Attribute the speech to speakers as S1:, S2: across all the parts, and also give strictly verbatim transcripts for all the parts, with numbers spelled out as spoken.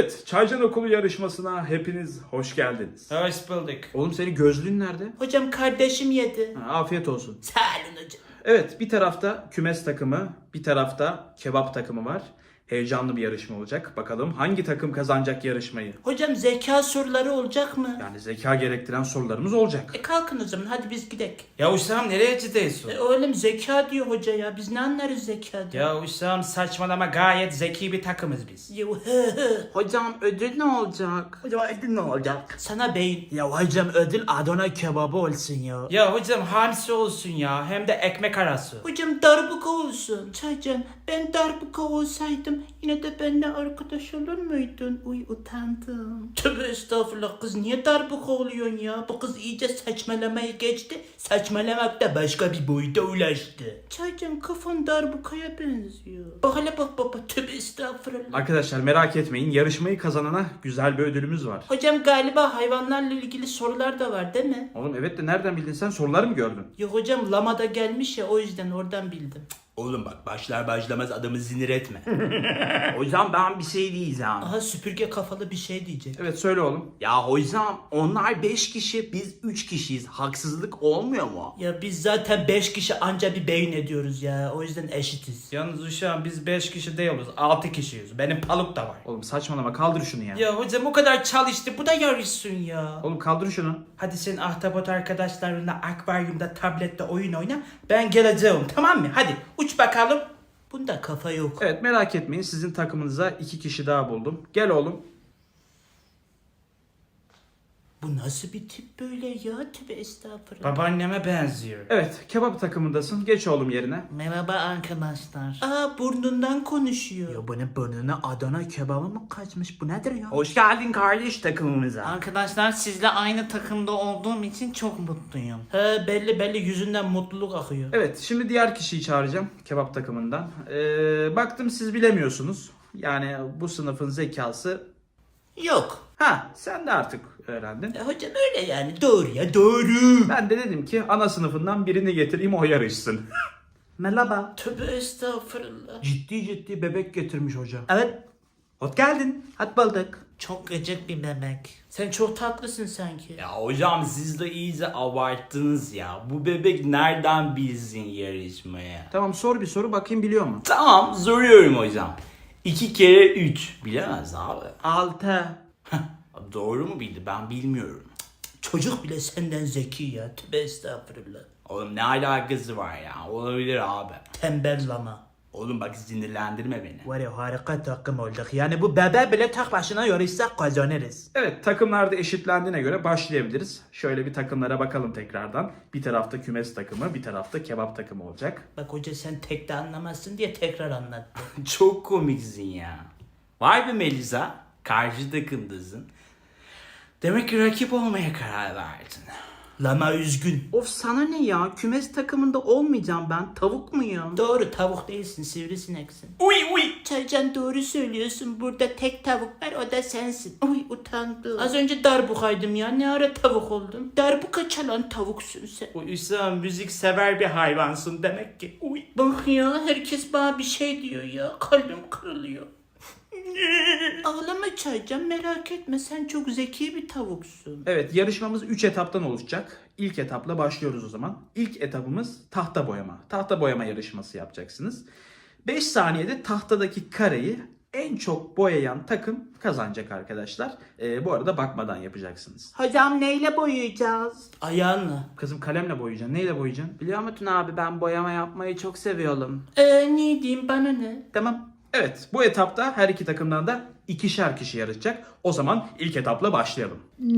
S1: Evet, Çaycan Okulu yarışmasına hepiniz hoş geldiniz.
S2: Hoş bulduk.
S1: Oğlum senin gözlüğün nerede?
S2: Hocam kardeşim yedi.
S1: Ha, afiyet olsun.
S2: Sağ olun hocam.
S1: Evet, bir tarafta kümes takımı, bir tarafta kebap takımı var. Heyecanlı bir yarışma olacak. Bakalım hangi takım kazanacak yarışmayı?
S2: Hocam zeka soruları olacak mı?
S1: Yani zeka gerektiren sorularımız olacak.
S2: E kalkın o zaman hadi biz gidelim.
S3: Ya Hüsam nereye gidiyorsun?
S2: E oğlum zeka diyor hoca ya. Biz ne anlarız zeka diyor.
S3: Ya Hüsam saçmalama, gayet zeki bir takımız biz.
S2: Ya, hı hı.
S4: Hocam ödül ne olacak? Hocam ödül ne olacak?
S2: Sana beyin.
S4: Ya hocam ödül Adana kebabı olsun ya.
S3: Ya hocam hamsi olsun ya, hem de ekmek arası.
S2: Hocam darbuka olsun. Çaycan ben darbuka olsaydım yine de benimle arkadaş olur muydun? Uy utandım. Tövbe estağfurullah kız niye darbuka oluyorsun ya? Bu kız iyice saçmalamayı geçti. Saçmalamak da başka bir boyuta ulaştı. Çaycan kafan darbukaya benziyor. Bak hele bak baba tövbe estağfurullah.
S1: Arkadaşlar merak etmeyin, yarışmayı kazanana güzel bir ödülümüz var.
S2: Hocam galiba hayvanlarla ilgili sorular da var değil mi?
S1: Oğlum evet de nereden bildin sen? Soruları mı gördün?
S2: Yok hocam lamada gelmiş ya o yüzden oradan bildim.
S4: Oğlum bak başlar başlamaz adamı sinir etme. Hocam ben bir şey diyeceğim.
S2: Aha süpürge kafalı bir şey diyecek.
S1: Evet söyle oğlum.
S4: Ya hocam onlar beş kişi biz üç kişiyiz. Haksızlık olmuyor mu?
S2: Ya biz zaten beş kişi anca bir beyin ediyoruz ya. O yüzden eşitiz.
S3: Yalnız Hüsam biz beş kişi değiliz, altı kişiyiz. Benim paluk da var.
S1: Oğlum saçmalama, kaldır şunu ya.
S3: Ya hocam o kadar çalıştı, bu da yarışsın ya.
S1: Oğlum kaldır şunu.
S3: Hadi sen ahtapot arkadaşlarınla akvaryumda tablette oyun oyna. Ben geleceğim, tamam mı? Hadi uç bakalım.
S2: Bunda kafa yok.
S1: Evet merak etmeyin, sizin takımınıza iki kişi daha buldum. Gel oğlum.
S2: Bu nasıl bir tip böyle ya? Tövbe estağfurullah.
S3: Babaanneme benziyor.
S1: Evet, kebap takımındasın. Geç oğlum yerine.
S4: Merhaba arkadaşlar.
S2: Aa burnundan konuşuyor.
S4: Ya bunun burnuna Adana kebabı mı kaçmış? Bu nedir ya? Hoş geldin kardeş takımımıza.
S5: Arkadaşlar sizle aynı takımda olduğum için çok mutluyum.
S2: He belli belli yüzünden mutluluk akıyor.
S1: Evet, şimdi diğer kişiyi çağıracağım kebap takımından. Ee, baktım siz bilemiyorsunuz. Yani bu sınıfın zekası...
S2: Yok.
S1: Ha, sen de artık öğrendin.
S2: E, hocam öyle yani doğru ya doğru.
S1: Ben de dedim ki ana sınıfından birini getireyim, o yarışsın.
S4: Merhaba.
S2: Tövbe estağfurullah.
S4: Ciddi ciddi bebek getirmiş hocam.
S5: Evet,
S4: Hoş geldin. Hadi bulduk.
S5: çok gıcık bir bebek.
S2: Sen çok tatlısın sanki.
S6: Ya hocam siz de iyice abarttınız ya. Bu bebek nereden bilsin yarışmaya?
S1: Tamam, sor bir soru bakayım biliyor mu?
S6: Tamam soruyorum hocam. İki kere üç. Bilemez abi.
S4: Altı.
S6: Doğru mu bildi, ben bilmiyorum.
S2: Çocuk bile senden zeki ya. Tövbe estağfurullah.
S6: Oğlum ne alakası var ya? Olabilir abi.
S2: Tembel lama.
S6: Oğlum bak sinirlendirme beni.
S4: Var ya harika takım olduk. Yani bu bebe bile tek başına yarışsak kazanırız.
S1: Evet, takımlarda eşitlendiğine göre başlayabiliriz. Şöyle bir takımlara bakalım tekrardan. Bir tarafta kümes takımı, bir tarafta kebap takımı olacak.
S2: Bak hoca sen tek de anlamazsın diye tekrar anlattı.
S6: Çok komiksin ya. Vay be Melisa. Karşı takımdasın. Demek ki rakip olmaya karar verdin.
S2: Lama üzgün.
S4: Of sana ne ya? Kümes takımında olmayacağım ben. Tavuk muyum?
S2: Doğru tavuk değilsin sivrisineksin.
S6: Uy uy.
S2: Çaycan doğru söylüyorsun. Burada tek tavuk var o da sensin. Uy utandım. Az önce darbukaydım ya. Ne ara tavuk oldum? Darbuka çalan tavuksun sen.
S3: Bu Hüsam müzik sever bir hayvansın demek ki. Uy.
S2: Bak ya herkes bana bir şey diyor ya. Kalbim kırılıyor. Ağlama Çaycan merak etme sen çok zeki bir tavuksun.
S1: Evet, yarışmamız üç etaptan oluşacak. İlk etapla başlıyoruz o zaman. İlk etapımız tahta boyama. Tahta boyama yarışması yapacaksınız. beş saniyede tahtadaki kareyi en çok boyayan takım kazanacak arkadaşlar. Ee, bu arada bakmadan yapacaksınız.
S4: Hocam neyle boyayacağız?
S2: Ayağınla.
S1: Kızım kalemle boyayacaksın. Neyle boyayacaksın?
S4: Biliyor musun abi ben boyama yapmayı çok seviyorum.
S2: Eee ne diyeyim bana ne?
S1: Tamam. Evet, bu etapta her iki takımdan da ikişer kişi yarışacak. O zaman ilk etapla başlayalım.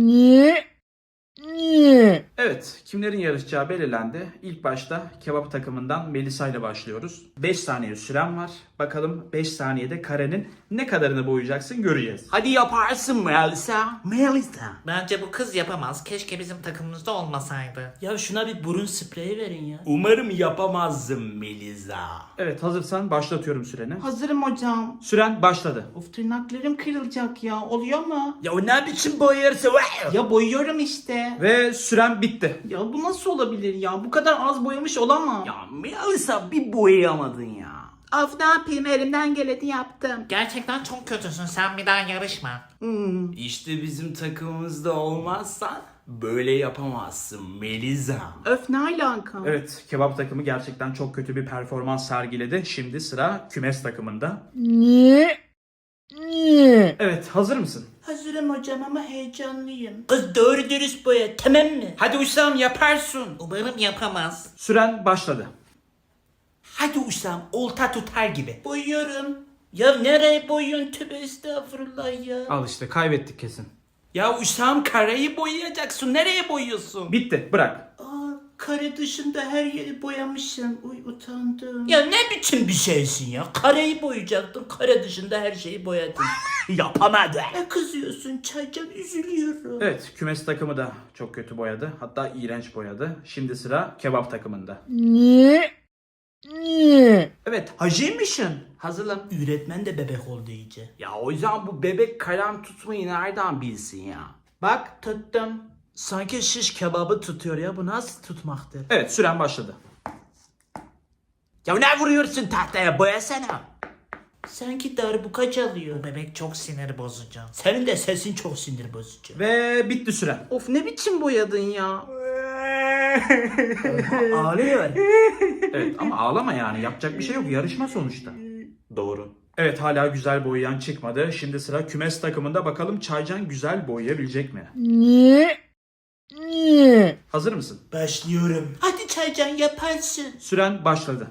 S1: Evet, kimlerin yarışacağı belirlendi. İlk başta kebap takımından Melisa ile başlıyoruz. beş saniye süren var. Bakalım beş saniyede karenin ne kadarını boyayacaksın göreceğiz.
S4: Hadi yaparsın Melisa. Melisa.
S5: Bence bu kız yapamaz. Keşke bizim takımımızda olmasaydı.
S2: Ya şuna bir burun spreyi verin ya.
S6: Umarım yapamazsın Melisa.
S1: Evet, hazırsan başlatıyorum süreni.
S4: Hazırım hocam.
S1: Süren başladı.
S4: Of tırnaklarım kırılacak ya. Oluyor mu?
S6: Ya o ne biçim boyarsa
S4: Ya boyuyorum işte.
S1: Ve süren bitti.
S4: Ya bu nasıl olabilir ya? Bu kadar az boyamış olamam.
S6: Ya Melisa bir boyayamadın ya.
S2: Of ne yapayım elimden geleni yaptım.
S5: Gerçekten çok kötüsün. Sen bir daha yarışma.
S6: İşte bizim takımımızda olmazsan böyle yapamazsın Melisa.
S2: Öf ne alaka?
S1: Evet, kebap takımı gerçekten çok kötü bir performans sergiledi. Şimdi sıra kümes takımında. Evet, hazır mısın?
S2: Hazırım hocam ama heyecanlıyım. Kız doğru dürüst boya tamam mı?
S3: Hadi Usam yaparsın.
S5: Umarım yapamaz.
S1: Süren başladı.
S3: Hadi Usam olta tutar gibi.
S2: Boyuyorum. Ya nereye boyuyorsun tövbe estağfurullah ya.
S1: Al işte, kaybettik kesin.
S3: Ya Usam kareyi boyayacaksın. Nereye boyuyorsun?
S1: Bitti, bırak.
S2: Aa, kare dışında her yeri boyamışım. Uy utandım. Ya ne biçim bir şeysin ya? Kareyi boyayacaktın. Kare dışında her şeyi boyadın.
S3: Yapamadı.
S2: Ne kızıyorsun Çaycan? Üzülüyorum.
S1: Evet, kümes takımı da çok kötü boyadı. Hatta iğrenç boyadı. Şimdi sıra kebap takımında. Evet,
S3: Hacıymışsın.
S6: Hazırım.
S2: Öğretmen de bebek oldu iyice.
S6: Ya hocam bu bebek kalem tutmayı nereden bilsin ya?
S2: Bak tuttum. Sanki şiş kebabı tutuyor ya. Bu nasıl tutmaktır?
S1: evet süren başladı.
S6: Ya ne vuruyorsun tahtaya, boyasana.
S2: Sanki darbuka çalıyor.
S5: Bu bebek çok sinir bozucu.
S2: Senin de sesin çok sinir bozucu.
S1: Ve bitti süren.
S2: Of ne biçim boyadın ya? Ağlıyor.
S1: Evet ama ağlama yani, yapacak bir şey yok, yarışma sonuçta.
S6: Doğru.
S1: Evet, hala güzel boyayan çıkmadı. Şimdi sıra kümes takımında, bakalım Çaycan güzel boyayabilecek mi? Hazır mısın?
S2: Başlıyorum. Hadi Çaycan yaparsın.
S1: Süren başladı.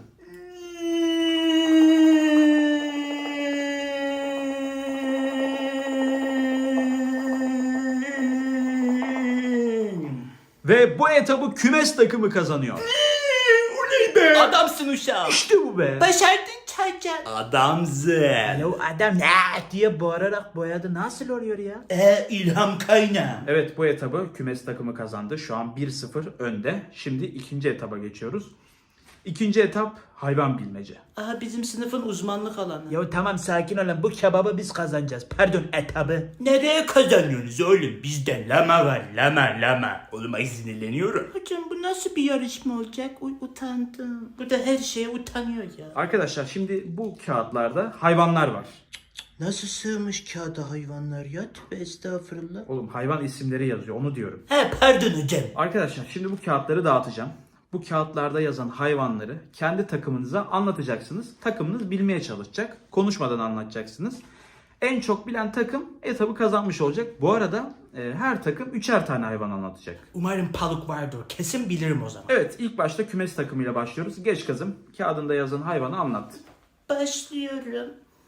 S1: Ve bu etabı kümes takımı kazanıyor.
S3: Adamsın uşağım.
S1: İşte bu be.
S2: Başardın Çaycan.
S6: Adamsın.
S3: Ya adam ne diye bağırarak boyadı. Nasıl oluyor ya?
S2: Ee ilham kaynağı.
S1: Evet, bu etabı kümes takımı kazandı. Şu an bir sıfır önde. Şimdi ikinci etaba geçiyoruz. İkinci etap hayvan bilmece.
S2: Aha bizim sınıfın uzmanlık alanı.
S3: Ya tamam sakin olun. Bu kebabı biz kazanacağız. Pardon etabı.
S2: Nereye kazanıyorsunuz oğlum?
S6: Bizde lama var, lama lama. Oğlum ay sinirleniyorum.
S2: Hocam bu nasıl bir yarışma olacak? Uy utandım. Burada her şeye utanıyor ya.
S1: Arkadaşlar şimdi bu kağıtlarda hayvanlar var.
S2: Nasıl sığmış kağıda hayvanlar ya? Tövbe estağfurullah.
S1: Oğlum, hayvan isimleri yazıyor, onu diyorum.
S2: He pardon hocam.
S1: Arkadaşlar şimdi bu kağıtları dağıtacağım. Bu kağıtlarda yazan hayvanları kendi takımınıza anlatacaksınız. Takımınız bilmeye çalışacak. Konuşmadan anlatacaksınız. En çok bilen takım etabı kazanmış olacak. Bu arada e, her takım üçer tane hayvan anlatacak.
S3: Umarım paluk vardır. Kesin bilirim o zaman.
S1: Evet, ilk başta kümes takımıyla başlıyoruz. Geç kızım, kağıdında yazan hayvanı anlat.
S2: Başlıyorum.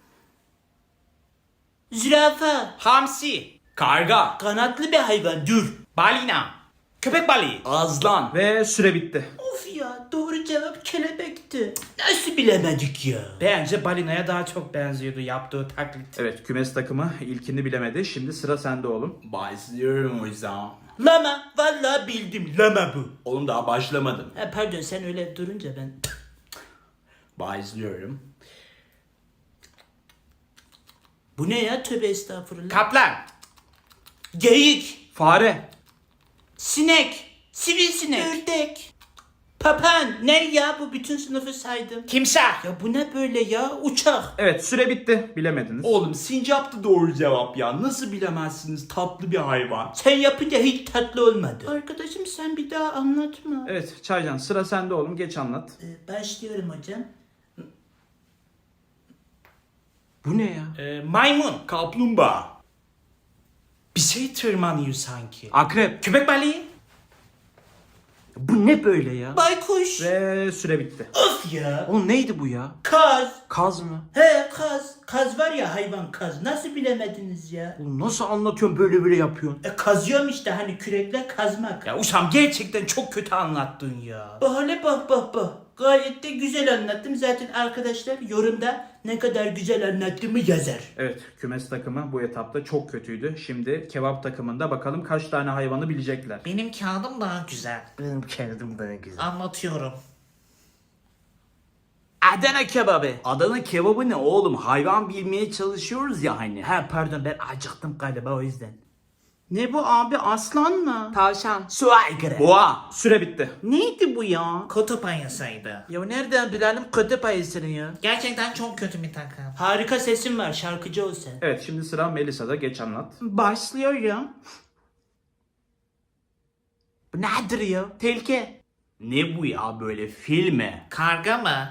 S2: Zürafa.
S3: Hamsi.
S6: Karga,
S2: Kanatlı bir hayvan dur.
S3: Balina. Köpek balığı.
S6: azlan.
S1: Ve süre bitti.
S2: Of ya doğru cevap kelebekti. Nasıl bilemedik ya?
S3: Bence balinaya daha çok benziyordu yaptığı taklit.
S1: Evet, kümes takımı ilkini bilemedi. Şimdi sıra sende oğlum.
S6: Başlıyorum hocam.
S2: Lama. Vallahi bildim. Lama bu.
S6: Oğlum daha başlamadım.
S2: Ha, pardon sen öyle durunca ben...
S6: Başlıyorum.
S2: Bu ne ya? Tövbe estağfurullah.
S3: Kaplan.
S2: Geyik.
S1: Fare.
S2: Sinek. Sivrisinek. Ördek. Papan. Ne ya? Bu bütün sınıfı saydım.
S3: Timsah.
S2: Ya bu ne böyle ya? Uçak.
S1: Evet, süre bitti. Bilemediniz.
S6: Oğlum sincap da doğru cevap ya. Nasıl bilemezsiniz, tatlı bir hayvan.
S2: Sen yapınca hiç tatlı olmadı. Arkadaşım sen bir daha anlatma.
S1: Evet, Çaycan sıra sende oğlum. Geç anlat.
S2: Ee, başlıyorum hocam.
S6: Bu ne ya?
S3: Ee, maymun.
S6: Kaplumbağa.
S3: Bir şey tırmanıyor sanki.
S6: Akrep.
S3: Köpek balığı.
S6: Bu ne böyle ya?
S2: Baykuş.
S1: Ve süre bitti.
S2: Of ya.
S6: Oğlum neydi bu ya?
S2: Kaz.
S6: Kaz mı?
S2: He kaz. Kaz var ya hayvan kaz. Nasıl bilemediniz ya?
S6: Oğlum nasıl anlatıyorsun, böyle böyle yapıyorsun?
S2: E kazıyorum işte hani kürekle kazmak.
S3: Ya Uşam gerçekten çok kötü anlattın ya.
S2: Bahane bak bak bak. Gayet de güzel anlattım. Zaten arkadaşlar yorumda ne kadar güzel anlattığımı yazar.
S1: Evet, kümes takımı bu etapta çok kötüydü. Şimdi kebap takımında bakalım kaç tane hayvanı bilecekler.
S5: Benim kağıdım daha güzel.
S3: Benim kendim daha güzel.
S5: Anlatıyorum.
S6: Adana kebabı. Adana kebabı ne oğlum? Hayvan bilmeye çalışıyoruz ya hani.
S3: Ha pardon ben acıktım galiba o yüzden.
S2: Ne bu abi, aslan mı?
S3: Tavşan. Su aygırı.
S1: Boğa. Süre bitti.
S2: Neydi bu ya?
S5: Kutup ayısıydı.
S3: Ya nereden bilelim kutup ayısını ya?
S5: Gerçekten çok kötü bir takım.
S2: Harika sesin var, şarkıcı ol sen.
S1: Evet şimdi sıra Melisa'da. Geç anlat.
S2: Başlıyorum.
S3: Bu nedir ya?
S2: Tehlike.
S4: Ne bu ya böyle filme?
S5: Karga mı?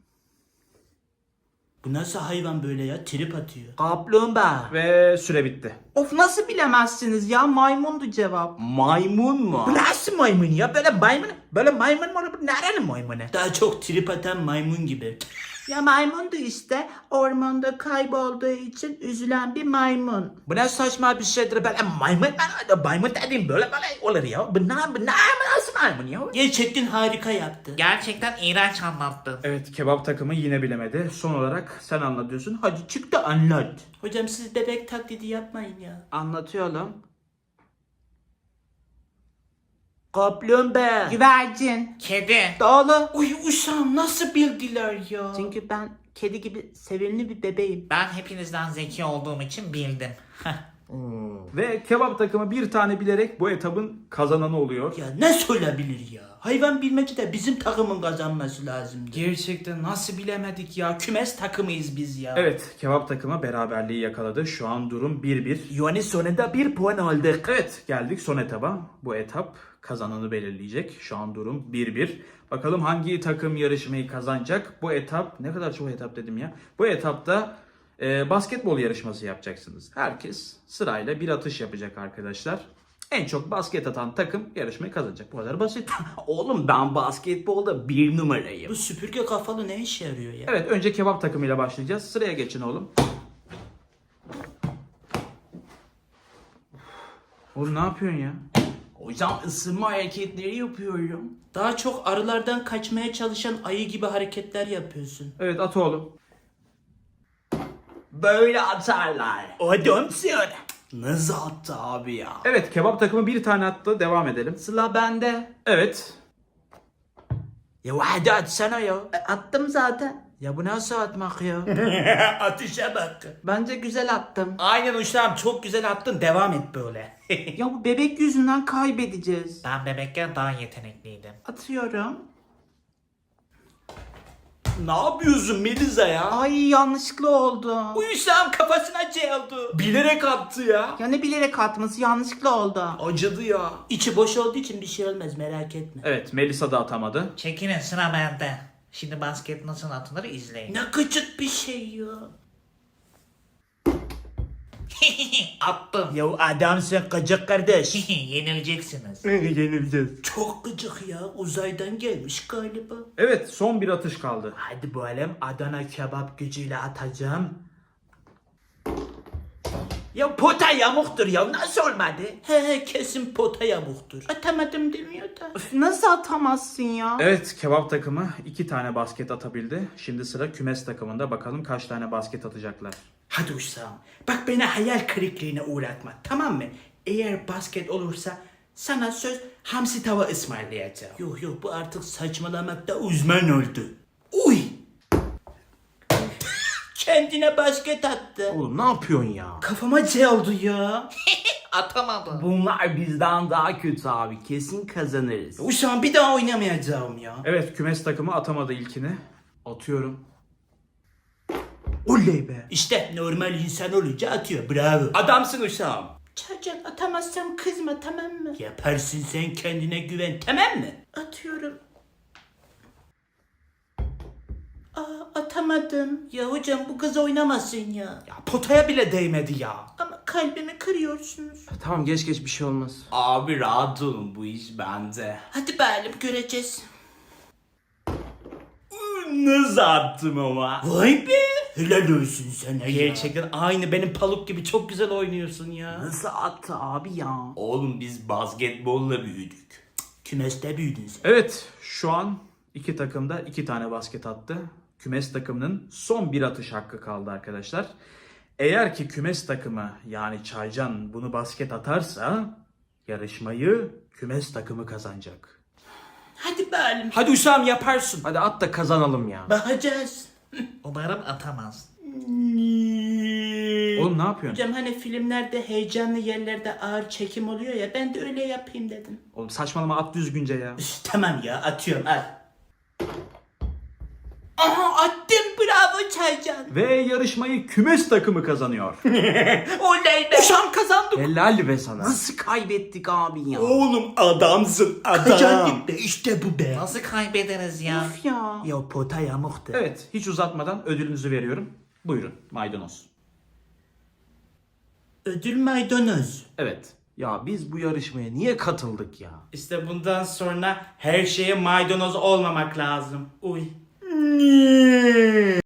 S2: Bu nasıl hayvan böyle ya? Trip atıyor.
S3: Kaplumbağa.
S1: Ve süre bitti.
S2: Of, nasıl bilemezsiniz ya? Maymundu cevap.
S4: Maymun mu?
S3: Bu nasıl maymun ya? Böyle maymun, böyle maymun mu olur? Bu nerenin maymunu?
S2: Daha çok trip atan maymun gibi.
S3: Ya maymundu işte. Ormanda kaybolduğu için üzülen bir maymun. Bu ne saçma bir şeydir böyle maymun. Ben maymun dediğim böyle böyle olur ya. Bu ne, bu ne, nasıl maymun ya?
S2: Gerçekten harika yaptı.
S5: Gerçekten iğrenç anlattın.
S1: Evet kebap takımı yine bilemedi. Son olarak sen anlatıyorsun. Hadi çık da anlat.
S2: Hocam siz bebek taklidi yapmayın ya.
S3: Anlatıyorum. Kaplumbağa.
S2: Güvercin.
S5: Kedi.
S3: Doğru.
S2: Uy uşağım, nasıl bildiler ya?
S3: Çünkü ben kedi gibi sevimli bir bebeğim.
S5: Ben hepinizden zeki olduğum için bildim.
S1: Ve kebap takımı bir tane bilerek bu etabın kazananı oluyor.
S2: Ya ne söyleyebilir ya? Hayvan bilmeci de bizim takımın kazanması lazımdı.
S3: Gerçekten nasıl bilemedik ya? Kümes takımıyız biz ya.
S1: Evet kebap takımı beraberliği yakaladı. Şu an durum bir bir.
S3: Yani sonunda bir puan aldık.
S1: Evet geldik son etaba. Bu etap kazananı belirleyecek. Şu an durum bir bir. Bakalım hangi takım yarışmayı kazanacak? Bu etap ne kadar çok etap dedim ya. Bu etapta e, basketbol yarışması yapacaksınız. Herkes sırayla bir atış yapacak arkadaşlar. En çok basket atan takım yarışmayı kazanacak. Bu kadar basit.
S4: Oğlum ben basketbolda bir numarayım.
S2: Bu süpürge kafalı ne işe yarıyor ya?
S1: Evet önce kebap takımıyla başlayacağız. Sıraya geçin oğlum. Oğlum ne yapıyorsun ya?
S4: Hocam ısınma hareketleri yapıyorum.
S2: Daha çok arılardan kaçmaya çalışan ayı gibi hareketler yapıyorsun.
S1: Evet at oğlum.
S4: Böyle atarlar.
S3: Adamsın.
S4: Nasıl attı abi ya?
S1: Evet kebap takımı bir tane attı. Devam edelim.
S3: Sıla bende.
S1: Evet.
S3: Ya hadi atsana ya. E, attım zaten. Ya bu nasıl atmak ya?
S2: Atışa bak.
S3: Bence güzel attım.
S2: Aynen uşağım, çok güzel attın, devam et böyle.
S3: Ya bu bebek yüzünden kaybedeceğiz.
S5: Ben bebekken daha yetenekliydim.
S3: Atıyorum.
S4: Ne yapıyorsun Melisa ya?
S3: Ay yanlışlıkla oldu.
S2: Uşağım kafasına çeldi.
S4: Bilerek attı ya.
S3: Ya ne bilerek atması yanlışlıkla oldu.
S4: Acıdı ya.
S2: İçi boş olduğu için bir şey olmaz, merak etme.
S1: Evet Melisa da atamadı.
S5: Çekilin, sıra bende. Şimdi basket nasıl atılır izleyin.
S2: Ne gıcık bir şey ya.
S5: Attım.
S3: Ya adamsın gıcık kardeş.
S5: Yenileceksiniz.
S3: Yenileceğiz.
S2: Çok gıcık ya, uzaydan gelmiş galiba.
S1: Evet son bir atış kaldı.
S3: Hadi bakalım Adana kebap gücüyle atacağım. Ya pota yamuktur ya nasıl olmadı?
S2: He he, kesin pota yamuktur. Atamadım demiyor da.
S3: Üf, nasıl atamazsın ya?
S1: Evet kebap takımı iki tane basket atabildi. Şimdi sıra kümes takımında. Bakalım kaç tane basket atacaklar.
S3: Hadi uşağım bak beni hayal kırıklığına uğratma tamam mı? Eğer basket olursa sana söz hamsi tava ısmarlayacağım.
S2: Yok yok, bu artık saçmalamakta uzman oldu.
S3: Uy!
S2: Kendine basket attı.
S4: Oğlum ne yapıyorsun ya?
S3: Kafama geldi ya.
S5: Atamadım.
S4: Bunlar bizden daha kötü abi. Kesin kazanırız.
S3: Uşağım bir daha oynamayacağım ya.
S1: Evet kümes takımı atamadı ilkini. Atıyorum.
S3: Oley be.
S2: İşte normal insan olunca atıyor, bravo.
S4: Adamsın uşağım.
S2: Çacan, atamazsam kızma tamam mı? Yaparsın, sen kendine güven, tamam mı? Atıyorum. Aa, atamadım. Ya hocam, bu kız oynamasın ya.
S3: Ya potaya bile değmedi ya.
S2: Ama kalbimi kırıyorsunuz.
S4: Tamam geç geç bir şey olmaz. Abi rahat olun bu iş bende.
S2: Hadi bakalım, göreceğiz.
S4: Nasıl attım ama?
S2: Vay be! Helal olsun sana ya.
S3: Gerçekten aynı benim paluk gibi çok güzel oynuyorsun ya.
S4: Nasıl attı abi ya? Oğlum biz basketbolla büyüdük.
S2: Kümeste büyüdün sen.
S1: Evet şu an iki takım da iki tane basket attı. Kümes takımının son bir atış hakkı kaldı arkadaşlar. Eğer ki kümes takımı yani Çaycan bunu basket atarsa yarışmayı kümes takımı kazanacak.
S2: Hadi bakalım.
S3: Hadi uşağım yaparsın.
S4: Hadi at da kazanalım ya.
S2: Bakacağız.
S5: Umarım atamaz.
S1: Oğlum ne yapıyorsun?
S2: Hocam hani filmlerde heyecanlı yerlerde ağır çekim oluyor ya, ben de öyle yapayım dedim.
S1: Oğlum saçmalama, at düzgünce ya.
S2: Üf, tamam ya, atıyorum, al. Aha, attım, bravo Çaycan.
S1: Ve yarışmayı kümes takımı kazanıyor.
S2: Oley be. Uşam kazandık.
S1: Helal be sana.
S6: Nasıl kaybettik abi ya?
S4: Oğlum adamsın adam.
S2: Kazandık be, işte bu be.
S5: Nasıl kaybederiz ya?
S2: Of ya. Ya pota yamuktu.
S1: Evet, hiç uzatmadan ödülünüzü veriyorum. Buyurun, maydanoz.
S2: Ödül maydanoz.
S1: Evet.
S6: Ya biz bu yarışmaya niye katıldık ya?
S2: İşte bundan sonra her şeye maydanoz olmamak lazım. Uy.